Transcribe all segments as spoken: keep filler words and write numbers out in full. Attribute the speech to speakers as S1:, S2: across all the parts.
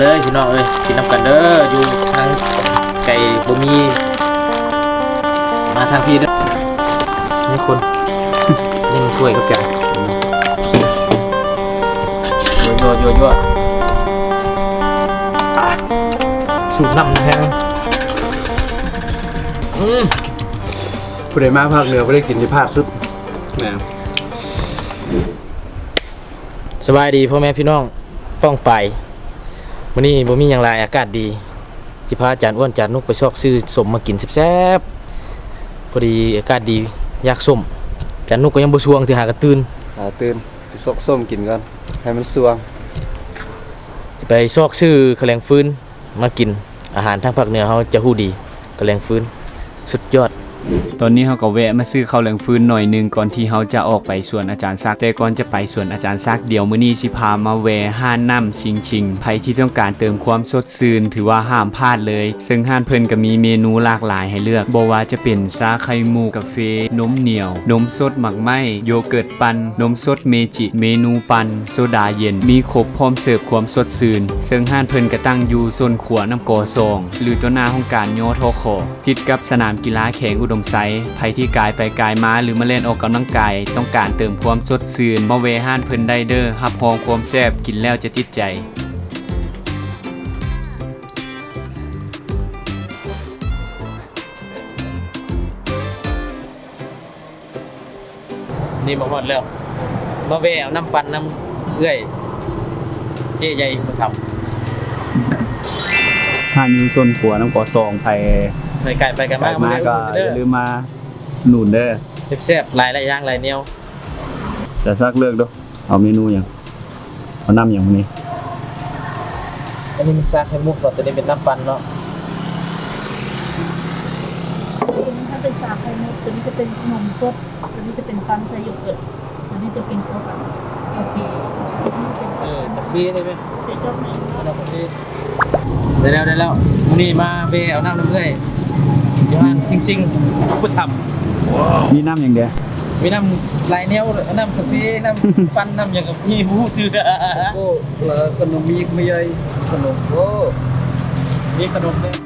S1: เลยพี่น้องเอ้ยกินน้ำกันเด้ออยู่ทางไก่บ่มีมาทางพี่เด้อนี่คนนี่มันช่วยกับจานยั่วยั่วยั่วสูบน้ำนะฮะอืม
S2: ผู้ใดมาภาคเหนือไม่ได้กินที่ภาคสุดนะ
S1: สบายดีพ่อแม่พี่น้องป้องไปวันนี้บ่มีอย่างไรอากาศดีจิพาอาจารย์อ้วนอาจารย์นุกไปซอกซื้อสมมากินแซ่บๆพอดีอากาศดีอยากส้มอาจารย์นุกก็ยังบ่ช่วงที่หากระตื่น
S2: หาตื่นไปซกส้มกินก่อนให้มันสวง
S1: จะไปซอกซื้อแขลงฟืนมากินอาหารทางภาคเหนือเขาจะฮู้ดีแขลงฟืนสุดยอด
S3: ตอนนี้เราก็แวะมาซื้อข้าวเหลืองฟื้นหน่อยหนึ่งก่อนที่เราจะออกไปสวนอาจารย์ซักแต่ก่อนจะไปสวนอาจารย์ซักเดี๋ยวมื้อนี้สิพามาแวะห้านน้ำชิงชิงใครที่ต้องการเติมความสดชื่นถือว่าห้ามพลาดเลยซึ่งห้านเพิ่นก็มีเมนูหลากหลายให้เลือกบ่ว่าจะเป็นชาไข่มุกกาแฟนมเหนียวนมสดหมักไหมโยเกิร์ตปั่นนมสดเมจิเมนูปั่นโซดาเย็นมีครบพร้อมเสิร์ฟความสดชื่นซึ่งห้านเพิ่นก็ตั้งอยู่โซนขัวน้ำกอซองหรือตัวหน้าของการโยทอคอติดกับสนามกีฬาแข่งอุดมไซไผที่กายไปกายมาหรือมาเล่นออกกำลังกายต้องการเติมความสดชื่นมาเวห้านเพิ่นได้เด้อรับรองความแซ่บกินแล้วจะติดใจ
S1: นี่มาฮอดแล้วมาแววน้ำปั่นน้ำเอื้อยเจ๊ใหญ่มาท
S3: ห้านอยู่โซนขัวน้ำกอซองไผ
S1: ำไปไก่ไปกัน
S3: กาย
S1: มา
S3: มาก็
S1: เด้
S3: อ
S1: อย่าง
S3: ลืมมาหนุนเด้อ
S1: แซ่บๆหลายหลายอย่างหลายแนว
S3: จะซักเลือกดูเอาเมนูหยังเอาน้ำหยังมื้อนี้
S1: อันนี้มันซาไข่มุกเนาะตัวนี้เป็นน้ำปั่นเนาะ
S4: ถ้าเป็นชาไข่มุกตัวนี้จะเป็นนมสดตัวนี้จะเป็นฟันไซโยเกิร์ตตัวนี้จะเป็นโคกกาแฟตัวนี้เป็น
S1: เออกาแฟได้ไหม
S4: เจ๊เจ้าแม่
S1: เอาน้ำกาแฟได้แล้วได้แล้วมื้อนี่มาเวเอาน้ำน้ำเอื้อยเดี๋ยวหันซิงๆพุทธธรรม
S3: มีน้ำหยังเด้อ
S1: มีน้ำลายแนวน้ำกาแฟน้ำปั่นน้ำอย่างกับมีหูชื่อ
S2: โอ้แล้วขนมมีไม่ใหญ่ขนมโอ้
S1: มีขนมด้วย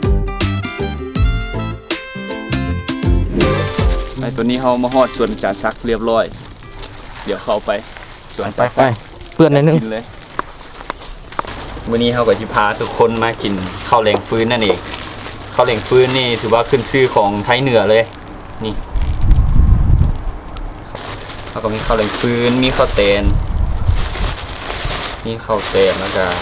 S3: ไอ้ตัวนี้เฮามาฮอดสวนอาจารย์ซักเรียบร้อย เดี๋ยวเข้าไปสวน
S1: ไปไปเพื่อนหน่อยนึง
S3: กินเลยมื้อนี้เฮาก็สิพาทุกคนมากินข้าวแรงฟื้นนั่นเองข้าวแรงฟื้นนี่ถือว่าขึ้นชื่อของไทยเหนือเลยนี่แล้วก็มีข้าวแรงฟื้นมีข้าวแตนมีข้าวแตนแล้วก็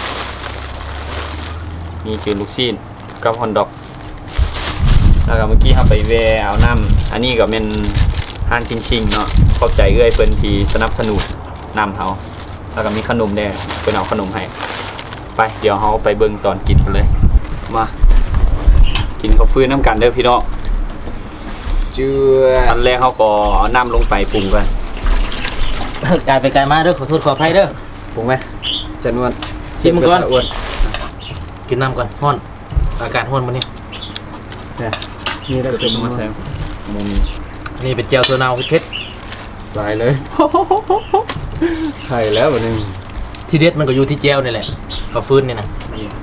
S3: มีจืดลูกชิ้นกับฮอนดอกแล้วก็เมื่อกี้เราไปแวะเอาน้ำอันนี้ก็เป็นห้านชิงๆเนาะขอบใจเอื้อยเพิ่นที่สนับสนุนน้ำเฮาแล้วก็มีขนมแดงเพิ่นเอาขนมให้ไปเดี๋ยวเฮาไปเบิ่งตอนกินกันเลยมากินข้าวฟื้นน้ำกันเด้อพี่น้อง
S2: เจือ
S3: ขั้นแรกเฮาก็เอาน้ำลงไปปรุงกัน
S1: กายไปกายมาเด้อขอโทษขออภัยเด้อ
S2: ปรุงไหมจันวน
S1: ชิมก่อน
S2: อ้วน
S1: กินน้ำก่อนฮ้อนอากาศฮ้อนมื้อนี้
S2: นี่ได้
S3: เดี๋ยว
S2: เป็
S3: จะ
S2: น
S3: มา
S2: มา
S3: แซ
S2: แซ่
S3: มมุม
S1: นี่เป็นเจียวตัวเนาเผ็ด
S2: สายเลยไข่แล้ววันนี้
S1: ที่เด็ดมันก็อยู่ที่เจียวนี่แหละข้าวฟื้นนี่นะ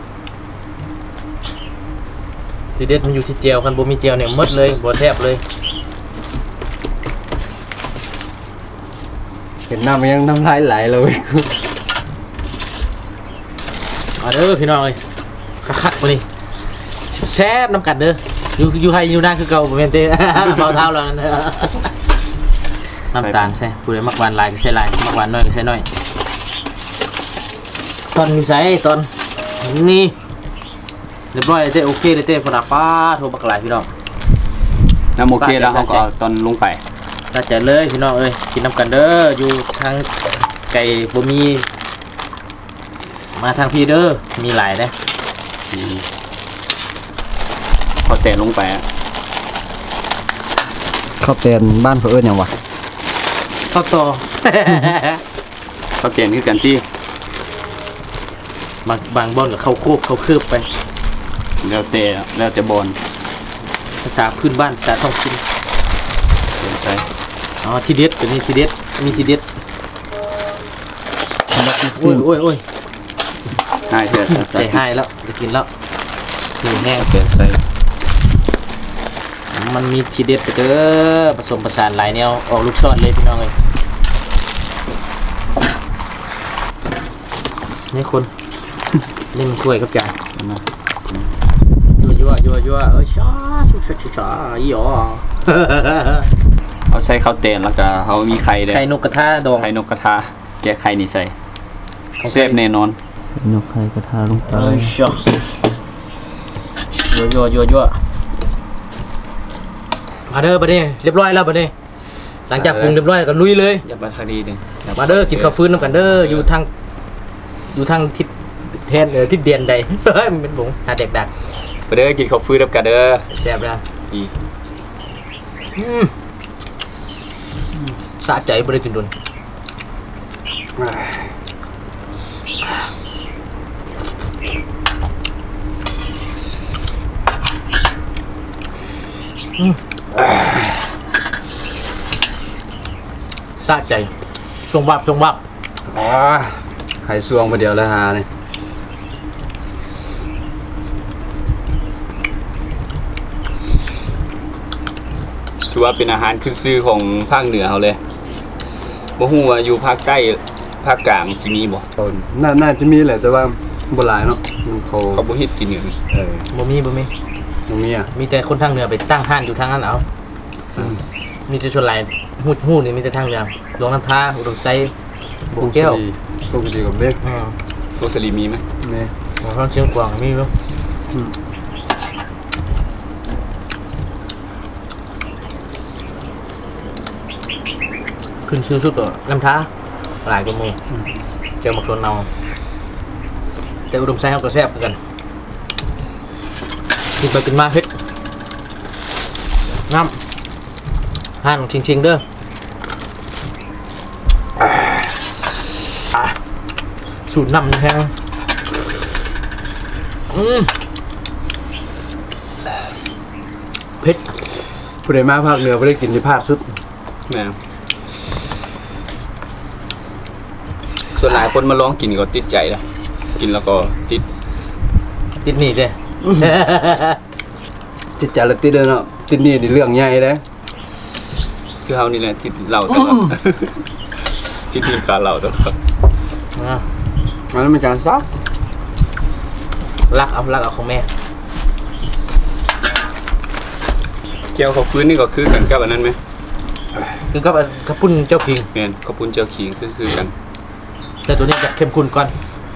S1: ที่เด็ดมันอยู่ที่เจียวคันบ่มีเจียวเนี่ยหมดเลยบ่แทบเลย
S2: เห็นน้ำมันยังน้ำลายไหลเลย
S1: มาเด้อพี่น้องเอ้ยคักๆมานี่แซ่บน้ำกัดเด้ออยู่อยู่ให้อยู่หน้าคือเก่าบ่แม่นเต้ เบาเท้าแล้วนั่นเด้อน้ำตาลใส่ผู้ใดมักหวานหลายก็ใส่หลายมักหวานน้อยก็ใส่น้อยตอนอยู่ไสตอนนี่เรียบร้อยเลยเต้โอเคเลยเต้พนักป้าโทรบักหลายพี่น้อง
S3: น้ำโอเคแล้วเฮาก็เอาตอนลงไป
S1: น่าจะเลยพี่น้องเอ้ยกินน้ำกันเด้ออยู่ทางไก่บ่มีมาทางพี่เด้อมีหลายเด้
S3: พอแตะลงไปอะ
S2: ข้าวแตนบ้านเพื่อนอย่างวะ
S1: ข้าวต่อ
S3: เขาแตนคือกันที่
S1: บางบางบ่อนกับข้าวโคบข้าวคืบไป
S3: แล้วแต่แล้วแต่บอล
S1: ภาษาพื้นบ้านภาษาท้องถิ่น
S3: เดี๋ยวใส่
S1: อ๋อทีเด็ดตัวนี้ทีเด็ดมีทีเด็ดโอ้ยโอ้ยโอ้ย
S2: ให้เถอะ
S1: ใจให้แล้วจะกินแล้วนี่แห้ง
S2: เปลี่ยนใส่
S1: มันมีทีเด็ดเด้อผสมผสานหลายแนวออกลูกซ่อนเลยพี่น้องเลยนี่คน นี่มันถ้วยครับจานยั่วยั่วยั่วยั่วเอ้ยช้าช้าช้าช้าช้าอีหยอ
S2: เขาใส่ข้าวเตนแล้วก็เขามีไข่เลย
S1: ไข่นกกระทะดอง
S2: ไข่นกกระทาแกะไข่นี่ใส่เซฟแน่นอน
S3: ใส่นกไข่กระทาลงไป
S1: เอ้ยช้ายั่วยั่วยั่วยั่วมาเด้อบัดนี้เรียบร้อยแล้วบัดนี้หลังจากปรุงเรียบร้อยก็ลุยเลย
S2: อย่ามาทางนี้ดิ
S1: มาเด้อกินข้าวฟื้นน้ำกันเด้ออยู่ทางอยู่ทางทิศแทนเออทิศเดียนใด เฮ้ยมันเป็นผงหาเด็กดัก
S2: ไปเด้อกินข้าวฟื้นดับกันเด้อ
S1: แซ่บนะ
S2: อี
S1: อืมสะใจบ่ได้กินโดนอืมสะใจทรงวับทรงวับ
S5: อ๋อไข่ซวงมาเดียวแล้วฮาเนี่ย
S2: ถือว่าเป็นอาหารขึ้นชื่อของภาคเหนือเขาเลยบ่ฮู้ว่าอยู่ภาคใกล้ภาคกลางสิมีบ่
S5: ต้นน่าน่าจะมีแหละแต่ว่าโบราณเนาะมันเขา
S2: เขาบ่เฮ็ดกินอยู่นี่
S5: เออ
S1: บ่มีบ่มี
S5: ตรงนี้อ่ะ
S1: มีแต่คนทางเหนือไปตั้งห้านอยู่ทางนั้นเอามีแต่ส่วนหลายหูดหูดนี่มีแต่ทางเหนือหลวงน้ำท้าอุดมไซบวกแก้ว
S5: ปกติกับเล็ก
S1: อืม
S2: โรสลีมีไหม
S5: นี่
S1: หลวงพ่อเชียงกวางมีอยู่ขึ้นชื่อสุดก็น้ำท้าหลายกว่าหมู่เจอมาโคลนเนาแต่อุดมไซเขาก็แซ่บเหมือนกันกินไปกินมาเผ็ดน้ำห่านชิงๆเด้ออ่ะสูตรน้ำแพงอืมเผ็ด
S5: ผู้ใดมาภาคเหนือผู้ใดกินที่พลาดสุด
S2: แม่ส่วนหลายคนมาลองกินก็ติดใจแล้วกินแล้วก็ติด
S1: ติดหนีเด้
S5: ติดใจละติดเลยเนาะติดนี่นี่เรื่องใหญ่เลย
S2: คือเฮานี่แหละติดเหล้าตลอดติดกินกาเหล้าตลอด
S1: อ่ะ
S5: มันเป็นการซัก
S1: รักเอารักเอาของแม่
S2: แก้วข้าวฟื้นนี่ก็คือกันกับอันนั้นไหม
S1: คือกับกับปุ้นเจ้าคิง
S2: แม่นข้าวปุ้นเจียวขิงคือคือกัน
S1: แต่ตัวนี้จะเข้มข้นก่อน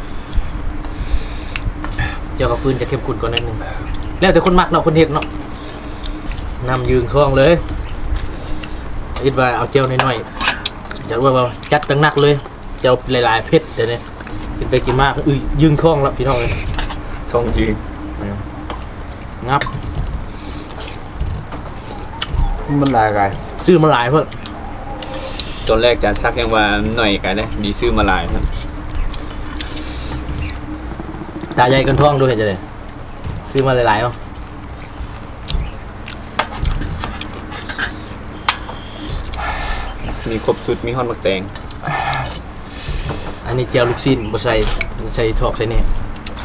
S1: เจ้ากับฟืนจะเข้มข้นก่อนนิดนึงแล้วแต่คนมักเนาะคนเห็ดเนาะนำยืนคล้องเลยอิดว่าเอาเจลน้อยๆจะว่าว่าจัดตั้งหนักเลยเจลหลายๆเผ็ดเดี๋ยวนี้กินไปกินมากอือยืนคล้องแล้วพี่น้องเลย
S2: ช่องยิง
S1: งับ
S5: มันหลายกาย
S1: ซื้อมาหลายเพื่อน
S2: ตอนแรกจานซักยังว่าหน่อยกันเลยดีซื้อมาหลายครับ
S1: ตาใหญ่กันท้องดูเห็นจะเลยซื้อมาหลายๆเนาะ
S2: มีครบสุดมีฮอนมักแตง
S1: อันนี้เจลลูกชิ้นบ่ใส่ใส่ทอกใส่เนี่ย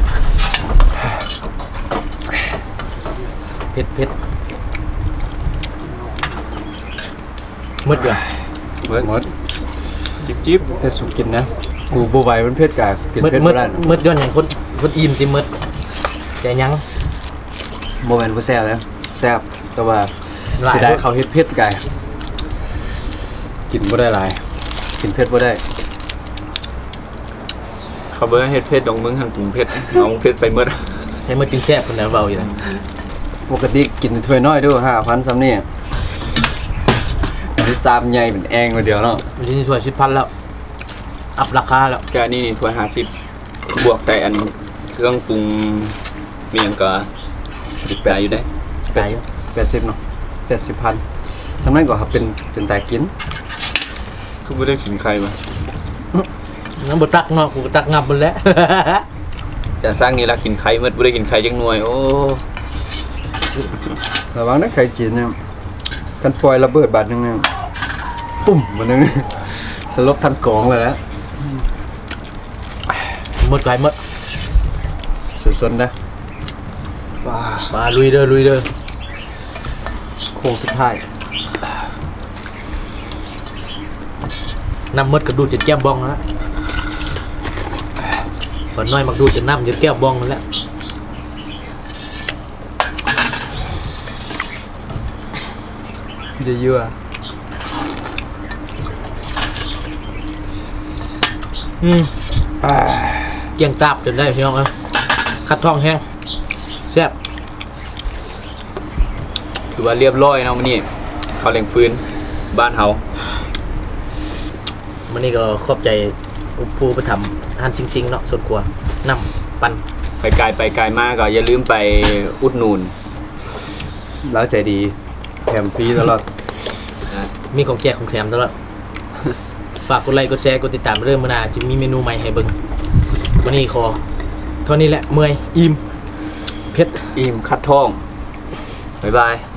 S1: เผ็ดเผ็ดมืดอยู่
S2: เบิด
S5: หมด
S2: จิ๊บจิ๊บ
S5: แต่สุกกินนะกูบ่ไหวมันเผ็ดกายกิน
S1: มืด
S5: เผ็ด
S1: มื
S5: บ่
S1: ด
S5: ได้
S1: มืดย้อนอย่างคนคนอิ่มติมืดแต่ยัง
S5: บ่แม่นบ่แซ่บแล้วแซ่บแต่ว่า
S1: หลาย
S5: สิได้เขาเฮ็ดเผ็ดกายกินบ่ได้หลายกินเผ็ดบ่ได้
S2: เขาเบิดเฮ็ดเผ็ดดองมึงหั่นปรุงเผ็ดเอาเผ็ดใส่หมด
S1: ใช้มือจึงแซ่บคนนั้นเบาอยู่นะ
S5: ปกติกินถ้วยน้อยเด้วยห้าพันซ้ำนี่อันนี้ซาบใหญ่เป็นแองมาเดียวเนาะ
S1: วันนี้ถ้วยสิบพันแล้ว อัพราคาแล้ว
S2: แกนี่นี่ถ้วยห้าสิบ บวกใส่อันเครื่องปรุงเมียงก็แปลอยู่ได้
S1: ไก่
S5: แปดสิบเนาะแปดสิบพันทั้งนั้นก็ครับเป็นเป็นแต่กิน
S2: คือไม่ได้กินใครมา
S1: น้ำบดตักเนาะกูก็ตักงับหมดแล้ว
S2: จะสร้างนี่ละกินไข่เมื่อไม่ได้กินไข่จังหน่วยโอ้
S5: ระวังนะไข่จีนเนี่ยกันปล่อยระเบิดบาดหนึงเนี่ยปุ่มมันนึง สลบทันกองเลยแล้ว
S1: หมดไก่หมด
S5: สนนะว้า
S1: มาลุยเด้อลุยเด้อ
S5: โค้งสุดท้าย
S1: น้ำมดกระดูดจนแก้มบ้องแล้วฝนน้อยมักดูดจนน้ำจนแก้วบ้องนั่นแหละ
S5: จะยั่ว
S1: อืมเกี่ยงตาบจนได้พี่น้องเอ้ยคัดท้องแห้งแซ่บ
S2: ถือว่าเรียบร้อยเนาะมื้อนี้ข้าวแรงฟืนบ้านเฮา
S1: มันนี่ก็ขอบใจผู้ไปทำอาหารซิงๆเนาะส่วนกลัวน้ำปั่น
S2: ไปไกลไปไกลมากก็อย่าลืมไปอุดหนุน
S5: แล้วใจดีแถมฟรีตลอด
S1: มีของแจกของแถมตลอด ฝากกดไลค์กดแชร์กดติดตามเรื่องมื้อหน้าจะมีเมนูใหม่ให้เบิ่งวันนี้ขอเท่านี้แหละเมื่อยอิ่มเผ็ด
S2: อิ่มคัดท้องบ๊ายบาย